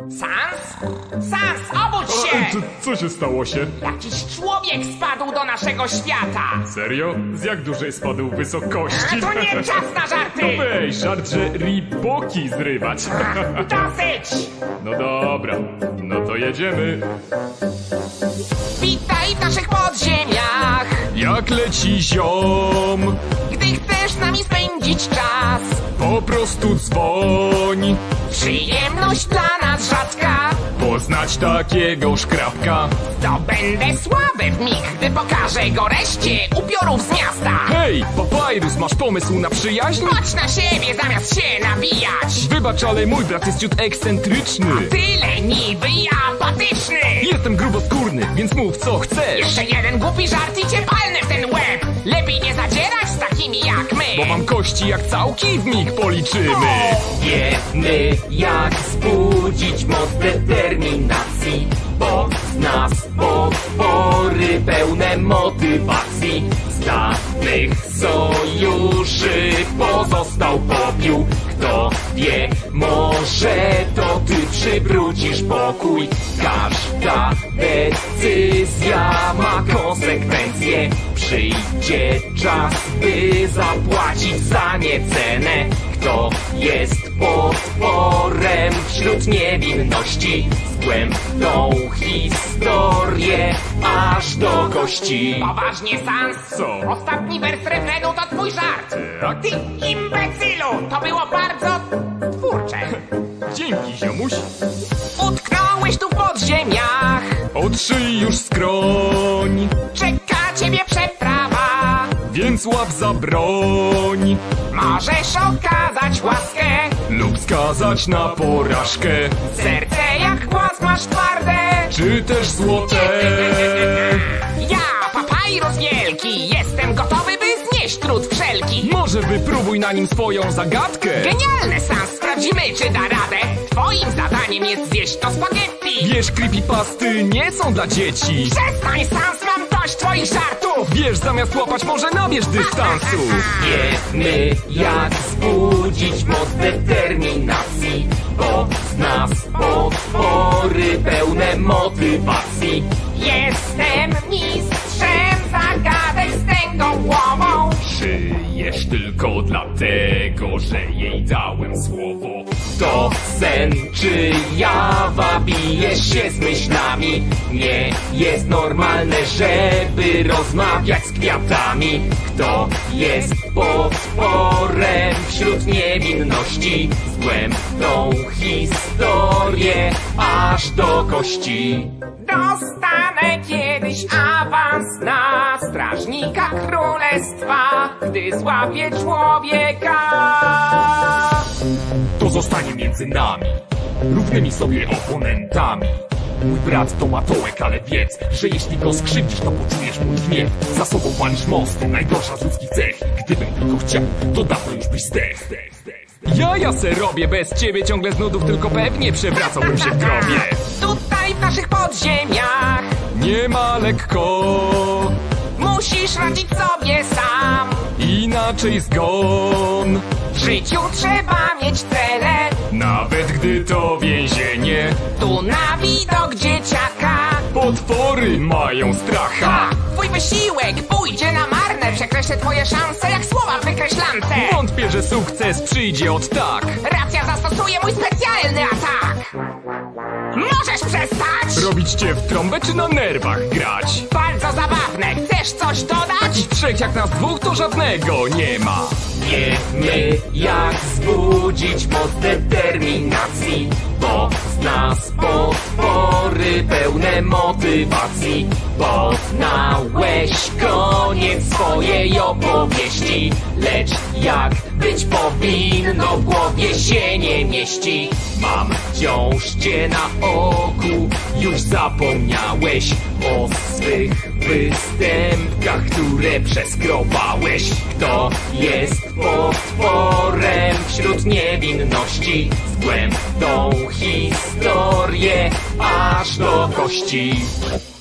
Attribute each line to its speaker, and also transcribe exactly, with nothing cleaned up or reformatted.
Speaker 1: Sans? Sans, obudź się!
Speaker 2: A, co, co się stało się?
Speaker 1: Jakiś człowiek spadł do naszego świata!
Speaker 2: Serio? Z jak dużej spadł wysokości?
Speaker 1: A to nie czas na żarty!
Speaker 2: No weź, żart, że riboki zrywać.
Speaker 1: Dosyć!
Speaker 2: No dobra, no to jedziemy.
Speaker 1: Witaj w naszych podziemiach!
Speaker 2: Jak leci ziom,
Speaker 1: Gdy chcesz z nami spędzić czas,
Speaker 2: po prostu dzwoń.
Speaker 1: przyjemność dla nas rzadka,
Speaker 2: Poznać takiego szkrabka.
Speaker 1: zdobędę sławę w mig, gdy pokażę go reszcie upiorów z miasta.
Speaker 2: Hej, Papyrus, masz pomysł na przyjaźń?
Speaker 1: Chodź na siebie zamiast się nabijać!
Speaker 2: Wybacz, ale mój brat jest ciut ekscentryczny.
Speaker 1: Tyle niby i apatyczny!
Speaker 2: Jestem gruboskórny, więc mów co chcesz.
Speaker 1: Jeszcze jeden głupi żart i cię palnę w ten łeb! Lepiej nie zadzierać z takimi jak my!
Speaker 2: Bo mam kości jak całki, w mig policzymy.
Speaker 3: Wiemy jak wzbudzić moc determinacji, bo z nas potwory pełne motywacji. Z dawnych sojuszy pozostał popiół. Kto wie, może to ty przywrócisz pokój. Każda decyzja ma konsekwencje. Przyjdzie czas, by zapłacić za nie cenę. Kto jest potworem wśród niewinności? Zgłębną historię aż do kości.
Speaker 1: Poważnie, Sans?
Speaker 2: Co?
Speaker 1: Ostatni wers refrenu to twój żart!
Speaker 2: Tak?
Speaker 1: Ty imbecylu! To było bardzo twórcze!
Speaker 2: Dzięki, ziomuś.
Speaker 1: Utknąłeś tu w podziemiach!
Speaker 2: Otrzyj już skroń,
Speaker 1: Czeka ciebie przeprawa!
Speaker 2: więc łap za broń.
Speaker 1: Możesz okazać łaskę!
Speaker 2: Lub skazać na porażkę.
Speaker 1: Serce jak głaz masz twarde!
Speaker 2: Czy też złote.
Speaker 1: Ja, Papyrus wielki, jestem gotowy, by znieść trud wszelki!
Speaker 2: Może wypróbuj na nim swoją zagadkę.
Speaker 1: Genialne, Sans, sprawdzimy, czy da radę! Twoim zadaniem jest zjeść to spaghetti!
Speaker 2: Wiesz, creepypasty nie są dla dzieci.
Speaker 1: Przestań, Sans, mam dość twoich żartów!
Speaker 2: Wiesz, zamiast łapać może nabierz dystansu.
Speaker 3: Wiemy jak wzbudzić moc determinacji, bo z nas potwory pełne motywacji.
Speaker 1: Jestem mistrzem zagadek z tęgą głową!
Speaker 2: Żyjesz tylko dlatego, że jej dałem słowo.
Speaker 3: To sen czy jawa, bijesz się z myślami. Nie jest normalne, żeby rozmawiać z kwiatami. Kto jest potworem wśród niewinności? Zgłębną historię aż do kości.
Speaker 1: Dostanę kiedyś awans na strażnika królestwa, gdy złapię człowieka.
Speaker 3: To zostanie między nami, równymi sobie oponentami. Mój brat to matołek, ale wiedz, że jeśli go skrzywdzisz, to poczujesz mój gniew. Za sobą palisz mosty, najgorsza z ludzkich cech. Gdybym tylko chciał, to dawno już byś zdech.
Speaker 2: Ja ja se robię bez ciebie ciągle z nudów, tylko pewnie przewracałbym się w grobie.
Speaker 1: Tutaj w naszych podziemiach
Speaker 2: Nie ma lekko,
Speaker 1: musisz radzić sobie sam.
Speaker 2: inaczej zgon.
Speaker 1: W życiu trzeba mieć cele,
Speaker 2: Nawet gdy to więzienie,
Speaker 1: tu na widok dzieciaka.
Speaker 2: potwory mają stracha.
Speaker 1: Ha! Twój wysiłek pójdzie na marne, przekreślę twoje szanse jak słowa w wykreślance.
Speaker 2: Wątpię, że sukces przyjdzie od tak.
Speaker 1: Racja zastosuje mój specjalny atak. Możesz przestać?
Speaker 2: Robić cię w trąbę czy na nerwach grać?
Speaker 1: Bardzo zabawne, chcesz coś dodać?
Speaker 2: I trzech jak nas dwóch to żadnego nie ma.
Speaker 3: Wiemy jak wzbudzić moc determinacji, bo z nas potwory pełne motywacji. Poznałeś koniec swojej opowieści, lecz jak być powinno w głowie się nie mieści. Mam wciąż cię na oku, już zapomniałeś o swych występkach, które przeskrobałeś. Kto jest potworem wśród niewinności? Zgłębną historię aż do kości.